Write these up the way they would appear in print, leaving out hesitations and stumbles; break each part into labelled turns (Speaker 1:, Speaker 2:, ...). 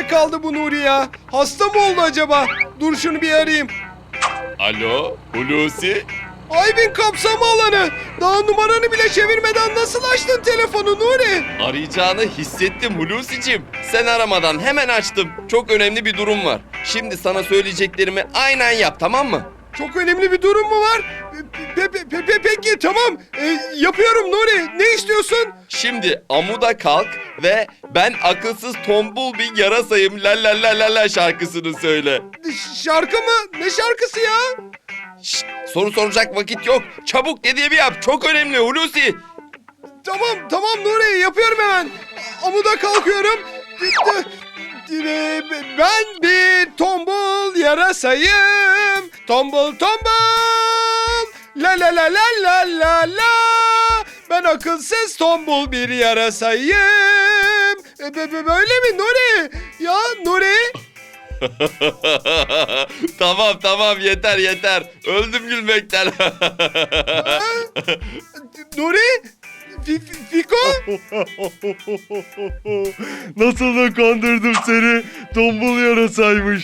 Speaker 1: nerede kaldı bu Nuri ya? Hasta mı oldu acaba? Dur şunu bir arayayım.
Speaker 2: Alo Hulusi?
Speaker 1: Aybin kapsama alanı. Daha numaranı bile çevirmeden nasıl açtın telefonu Nuri?
Speaker 2: Arayacağını hissettim Hulusi'cim. Sen aramadan hemen açtım. Çok önemli bir durum var. Şimdi sana söyleyeceklerimi aynen yap, tamam mı?
Speaker 1: Çok önemli bir durum mu var? Peki tamam. Yapıyorum Nuri. Ne istiyorsun?
Speaker 2: Şimdi amuda kalk ve ben akılsız tombul bir yarasayım la la la la la şarkısını söyle.
Speaker 1: Şarkı mı? Ne şarkısı ya?
Speaker 2: Şşt, soru soracak vakit yok. Çabuk dediğimi yap. Çok önemli Hulusi.
Speaker 1: Tamam Nuri, yapıyorum hemen. Amuda kalkıyorum. Ben bir tombul yarasayım. Tombul. La la la la la la la. Ben akılsız tombul bir yarasayım. Böyle mi Nuri? Ya Nuri?
Speaker 2: Tamam yeter. Öldüm gülmekten.
Speaker 1: Nuri? Fiko?
Speaker 3: Nasıl da kandırdım seni. Tombul yarasaymış.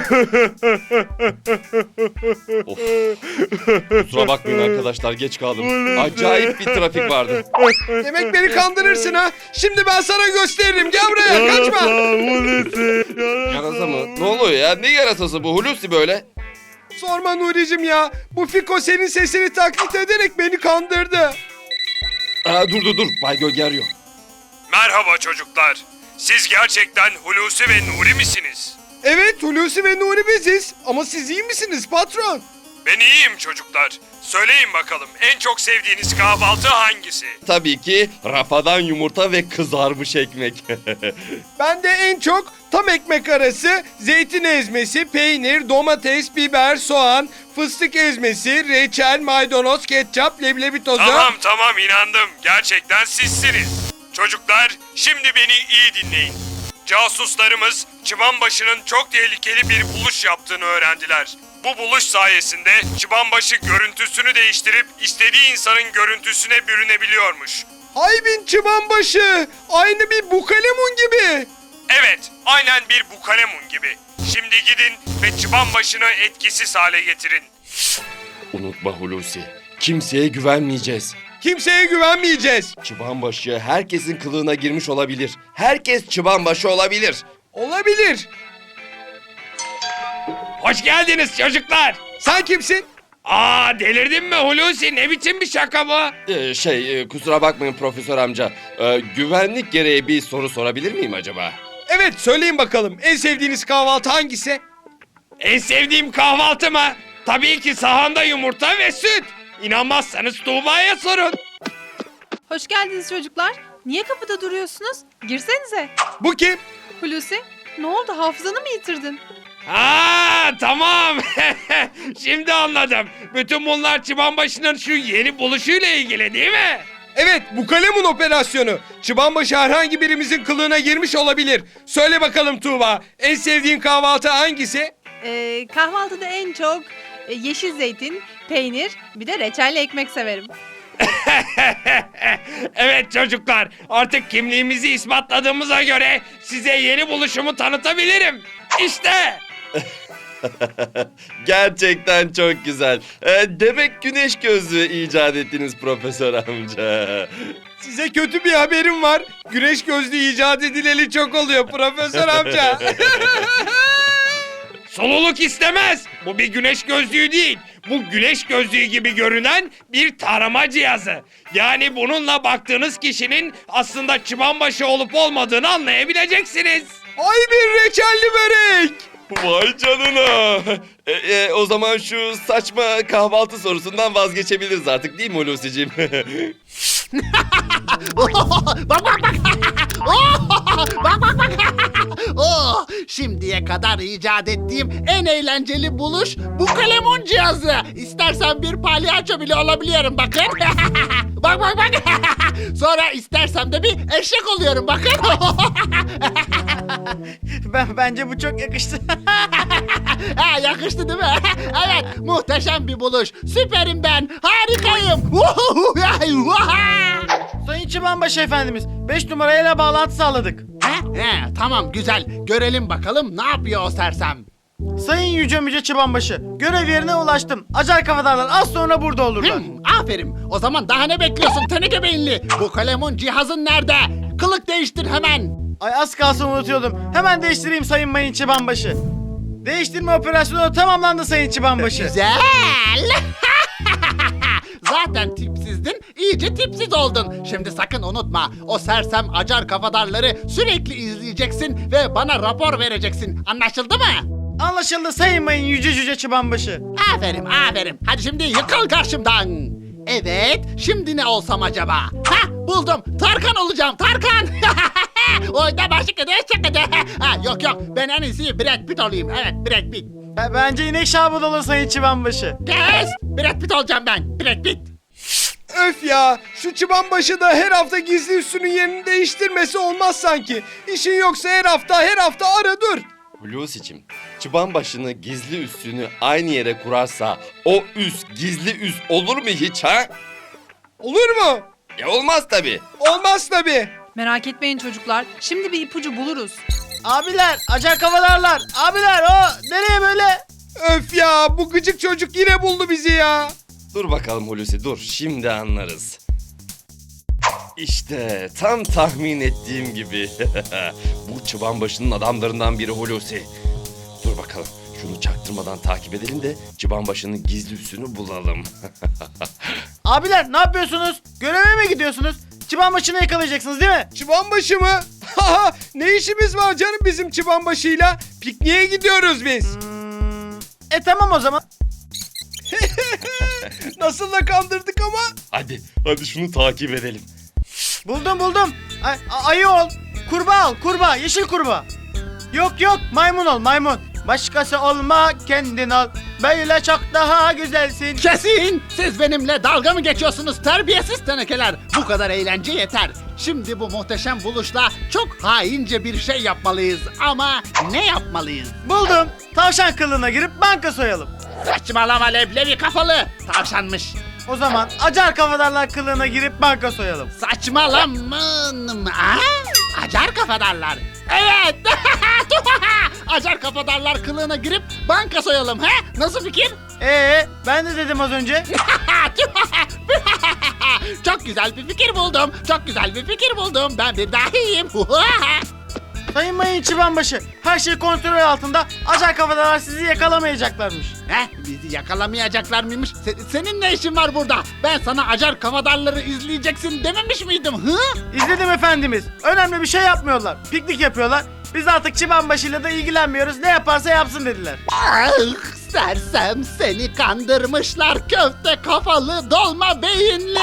Speaker 2: Of. Kusura bakmayın arkadaşlar, geç kaldım. Acayip bir trafik vardı.
Speaker 1: Demek beni kandırırsın ha. Şimdi ben sana gösteririm. Gel buraya, kaçma.
Speaker 2: Yarasa mı? Ne oluyor ya? Ne yarasası bu Hulusi böyle?
Speaker 1: Sorma Nuri'cim ya. Bu Fiko senin sesini taklit ederek beni kandırdı.
Speaker 2: Dur. Bay Gölge arıyor.
Speaker 4: Merhaba çocuklar. Siz gerçekten Hulusi ve Nuri misiniz?
Speaker 1: Evet, Hulusi ve Nuri biziz. Ama siz iyi misiniz patron?
Speaker 4: Ben iyiyim çocuklar. Söyleyin bakalım, en çok sevdiğiniz kahvaltı hangisi?
Speaker 2: Tabii ki rafadan yumurta ve kızarmış ekmek.
Speaker 1: Ben de en çok tam ekmek arası, zeytin ezmesi, peynir, domates, biber, soğan, fıstık ezmesi, reçel, maydanoz, ketçap, leblebi tozu...
Speaker 4: Tamam inandım. Gerçekten sizsiniz. Çocuklar, şimdi beni iyi dinleyin. Casuslarımız Çıbanbaşı'nın çok tehlikeli bir buluş yaptığını öğrendiler. Bu buluş sayesinde Çıbanbaşı görüntüsünü değiştirip istediği insanın görüntüsüne bürünebiliyormuş.
Speaker 1: Haybin çıbanbaşı, aynı bir bukalemun gibi.
Speaker 4: Evet, aynen bir bukalemun gibi. Şimdi gidin ve Çıbanbaşı'nı etkisiz hale getirin.
Speaker 2: Unutma Hulusi, kimseye güvenmeyeceğiz.
Speaker 1: Kimseye güvenmeyeceğiz.
Speaker 2: Çıbanbaşı herkesin kılığına girmiş olabilir. Herkes çıbanbaşı olabilir.
Speaker 1: Olabilir.
Speaker 4: Hoş geldiniz çocuklar.
Speaker 1: Sen kimsin?
Speaker 4: Delirdin mi Hulusi? Ne biçim bir şaka bu?
Speaker 2: Kusura bakmayın profesör amca. Güvenlik gereği bir soru sorabilir miyim acaba?
Speaker 1: Evet, söyleyin bakalım. En sevdiğiniz kahvaltı hangisi?
Speaker 4: En sevdiğim kahvaltı mı? Tabii ki sahanda yumurta ve süt. İnanmazsanız Tuğba'ya sorun.
Speaker 5: Hoş geldiniz çocuklar. Niye kapıda duruyorsunuz? Girsenize.
Speaker 1: Bu kim?
Speaker 5: Hulusi, ne oldu? Hafızanı mı yitirdin?
Speaker 4: Tamam. Şimdi anladım. Bütün bunlar Çıbanbaşı'nın şu yeni buluşuyla ilgili değil mi?
Speaker 1: Evet, bukalemun operasyonu. Çıbanbaşı herhangi birimizin kılığına girmiş olabilir. Söyle bakalım Tuğba, en sevdiğin kahvaltı hangisi?
Speaker 5: Kahvaltıda en çok yeşil zeytin, peynir, bir de reçelli ekmek severim.
Speaker 4: Evet çocuklar, artık kimliğimizi ispatladığımıza göre size yeni buluşumu tanıtabilirim. İşte.
Speaker 2: Gerçekten çok güzel. Demek güneş gözlüğü icat ettiniz profesör amca.
Speaker 1: Size kötü bir haberim var. Güneş gözlüğü icat edileli çok oluyor profesör amca.
Speaker 4: Soluluk istemez. Bu bir güneş gözlüğü değil. Bu güneş gözlüğü gibi görünen bir tarama cihazı. Yani bununla baktığınız kişinin aslında Çıbanbaşı olup olmadığını anlayabileceksiniz.
Speaker 1: Ay bir reçelli börek.
Speaker 2: Vay canına. O zaman şu saçma kahvaltı sorusundan vazgeçebiliriz artık değil mi Hulusi'cim?
Speaker 6: Oh, şimdiye kadar icat ettiğim en eğlenceli buluş bu kalemun cihazı. İstersen bir palyaço bile olabiliyorum bakın. Bak. Sonra istersem de bir eşek oluyorum bakın.
Speaker 7: Bence bu çok yakıştı.
Speaker 6: Yakıştı değil mi? Evet, muhteşem bir buluş. Süperim ben. Harikayım.
Speaker 7: Sayın Çıbanbaşı efendimiz, 5 numarayla bağlantı sağladık.
Speaker 6: He, tamam güzel. Görelim bakalım ne yapıyor o sersem.
Speaker 7: Sayın Yüce Müce Çıbanbaşı, görev yerine ulaştım. Acar kafadarlar az sonra burada olurlar.
Speaker 6: Aferin. O zaman daha ne bekliyorsun teneke beyinli? Bu kalemun cihazın nerede? Kılık değiştir hemen.
Speaker 7: Ay az kalsın unutuyordum. Hemen değiştireyim Sayın Mayın Çıbanbaşı. Değiştirme operasyonu tamamlandı Sayın Çıbanbaşı.
Speaker 6: Güzel. Zaten tipsizdin, iyice tipsiz oldun. Şimdi sakın unutma, o sersem acar kafadarları sürekli izleyeceksin ve bana rapor vereceksin. Anlaşıldı mı?
Speaker 7: Anlaşıldı Sayın Mayın Yüce Cüce Çıbanbaşı.
Speaker 6: Aferin, aferin. Hadi şimdi yıkıl karşımdan. Evet, şimdi ne olsam acaba? Buldum. Tarkan olacağım, Tarkan. Oyda başı kıdı, çıkıdı. Yok yok, ben en iyisi Brad Pitt olayım. Evet, Brad Pitt.
Speaker 7: Bence inek şabı olur Sayın Çıbanbaşı.
Speaker 6: Kes! Brad Pitt olacağım ben, Brad Pitt.
Speaker 1: Öf ya, şu çıbanbaşı da her hafta gizli üssünün yerini değiştirmesi olmaz sanki. İşin yoksa her hafta ara dur.
Speaker 2: Hulusi'cim, çıban başını gizli üssünü aynı yere kurarsa o üs gizli üs olur mu hiç ha?
Speaker 1: Olur mu?
Speaker 2: Olmaz tabii.
Speaker 1: Olmaz tabii.
Speaker 5: Merak etmeyin çocuklar. Şimdi bir ipucu buluruz.
Speaker 7: Abiler, Acar kafadarlar. Abiler o nereye böyle?
Speaker 1: Öf ya, bu gıcık çocuk yine buldu bizi ya.
Speaker 2: Dur bakalım Hulusi dur, şimdi anlarız. İşte tam tahmin ettiğim gibi. Bu çıban başının adamlarından biri Hulusi. Dur bakalım, şunu çaktırmadan takip edelim de çıban başının gizli üssünü bulalım.
Speaker 7: Abiler ne yapıyorsunuz? Göreve mi gidiyorsunuz? Çıbanbaşını yakalayacaksınız değil mi?
Speaker 1: Çıbanbaşı mı? Haha, ne işimiz var canım bizim çıbanbaşıyla? Pikniğe gidiyoruz biz.
Speaker 7: Tamam o zaman.
Speaker 1: Nasıl da kandırdık ama.
Speaker 2: Hadi şunu takip edelim.
Speaker 7: Buldum. Ayı ol. Kurbağa, yeşil kurbağa. Yok maymun ol maymun. Başkası olma kendin ol. Böyle çok daha güzelsin.
Speaker 6: Kesin! Siz benimle dalga mı geçiyorsunuz terbiyesiz tenekeler? Bu kadar eğlence yeter. Şimdi bu muhteşem buluşla çok haince bir şey yapmalıyız. Ama ne yapmalıyız?
Speaker 7: Buldum. Tavşan kılığına girip banka soyalım.
Speaker 6: Saçmalama leblebi kafalı. Tavşanmış.
Speaker 7: O zaman Acar kafadarlar kılığına girip banka soyalım.
Speaker 6: Saçmalaman. Acar kafadarlar. Evet. Acar kafadarlar kılığına girip banka soyalım. Nasıl fikir?
Speaker 7: Ben de dedim az önce.
Speaker 6: Çok güzel bir fikir buldum. Ben bir dahiyim.
Speaker 7: Sayın Mayın Çıbanbaşı, her şey kontrol altında. Acar kafadarlar sizi yakalamayacaklarmış.
Speaker 6: Bizi yakalamayacaklar mıymış? Senin ne işin var burada? Ben sana acar kafadarları izleyeceksin dememiş miydim?
Speaker 7: İzledim efendimiz. Önemli bir şey yapmıyorlar. Piknik yapıyorlar. Biz artık Çıbanbaşı'yla da ilgilenmiyoruz. Ne yaparsa yapsın dediler.
Speaker 6: Sersem seni kandırmışlar köfte kafalı dolma beyinli.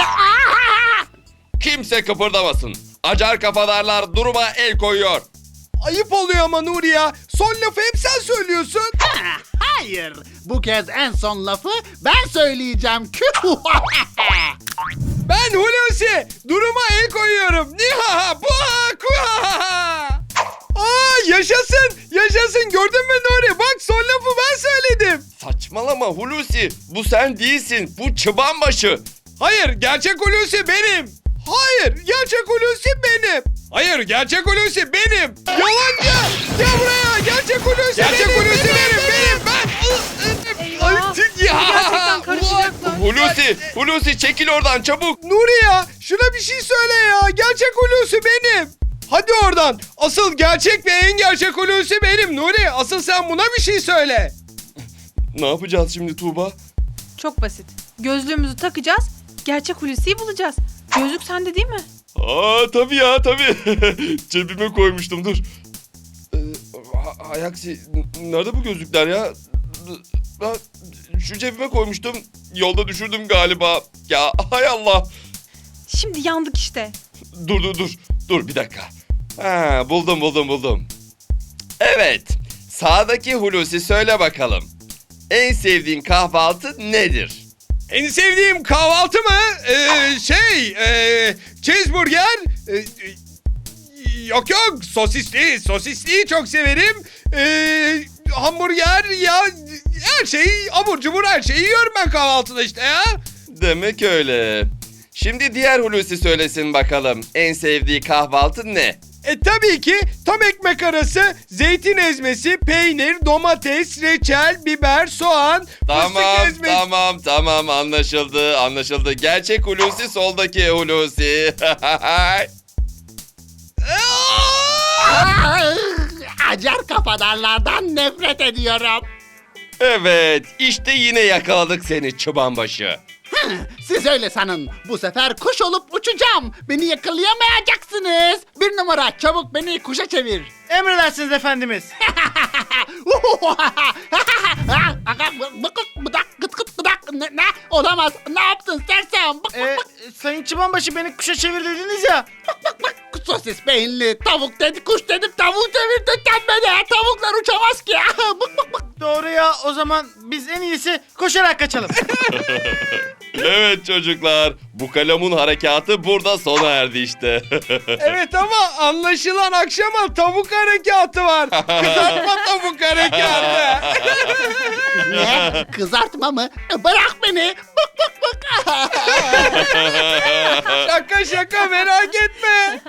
Speaker 2: Kimse kıpırdamasın. Acar kafadarlar duruma el koyuyor.
Speaker 1: Ayıp oluyor ama Nuri ya. Son lafı hep sen söylüyorsun.
Speaker 6: Hayır, bu kez en son lafı ben söyleyeceğim.
Speaker 1: Ben Hulusi. Duruma el koyuyorum. Nihaha buha kuhaha. Yaşasın. Gördün mü Nuri? Bak son lafı ben söyledim.
Speaker 2: Saçmalama Hulusi. Bu sen değilsin. Bu çıban başı.
Speaker 1: Hayır, gerçek Hulusi benim. Gerçek Hulusi benim. Yalancı. Gel buraya. Gerçek Hulusi benim. Ben.
Speaker 5: Eyvah. Gerçekten karışacaklar.
Speaker 2: Hulusi çekil oradan çabuk.
Speaker 1: Nuri ya, şuna bir şey söyle ya. Gerçek Hulusi benim. Hadi oradan. Asıl gerçek ve en gerçek Hulusi benim Nuri. Asıl sen buna bir şey söyle.
Speaker 2: Ne yapacağız şimdi Tuğba?
Speaker 5: Çok basit. Gözlüğümüzü takacağız. Gerçek Hulusi'yi bulacağız. Gözlük sende değil mi?
Speaker 2: Tabii ya tabii. Cebime koymuştum dur. Hayaksi nerede bu gözlükler ya? Şu cebime koymuştum. Yolda düşürdüm galiba. Ya hay Allah.
Speaker 5: Şimdi yandık işte.
Speaker 2: Dur bir dakika. Buldum. Evet. Sağdaki Hulusi söyle bakalım. En sevdiğin kahvaltı nedir?
Speaker 1: En sevdiğim kahvaltı mı? Cheeseburger. Yok sosisli çok severim. Hamburger ya her şeyi abur cubur her şeyi yiyorum ben kahvaltıda işte ya.
Speaker 2: Demek öyle. Şimdi diğer Hulusi söylesin bakalım. En sevdiği kahvaltı ne?
Speaker 1: Tabii ki tam ekmek arası zeytin ezmesi, peynir, domates, reçel, biber, soğan, fıstık ezmesi.
Speaker 2: Tamam anlaşıldı. Gerçek Hulusi soldaki Hulusi.
Speaker 6: Acar kafadarlardan nefret ediyorum.
Speaker 2: Evet, işte yine yakaladık seni çıbanbaşı.
Speaker 6: Siz öyle sanın. Bu sefer kuş olup uçacağım. Beni yakalayamayacaksınız. 1 numara, çabuk beni kuşa çevir.
Speaker 7: Emredersiniz efendimiz.
Speaker 6: Ne? Olamaz. Ne yaptın sersem?
Speaker 7: Sayın Çıbanbaşı beni kuşa çevir dediniz ya.
Speaker 6: Sosis beyinli tavuk dedi, kuş dedim, tavuk çevirdi beni. Tavuklar uçamaz ki.
Speaker 7: Doğru ya, o zaman biz en iyisi koşarak kaçalım.
Speaker 2: Evet çocuklar, bu kalemun harekatı burada sona erdi işte.
Speaker 1: Evet ama anlaşılan akşama tavuk harekatı var. Kızartma tavuk harekatı.
Speaker 6: Ne? Kızartma mı? Bırak beni.
Speaker 1: Şaka merak etme.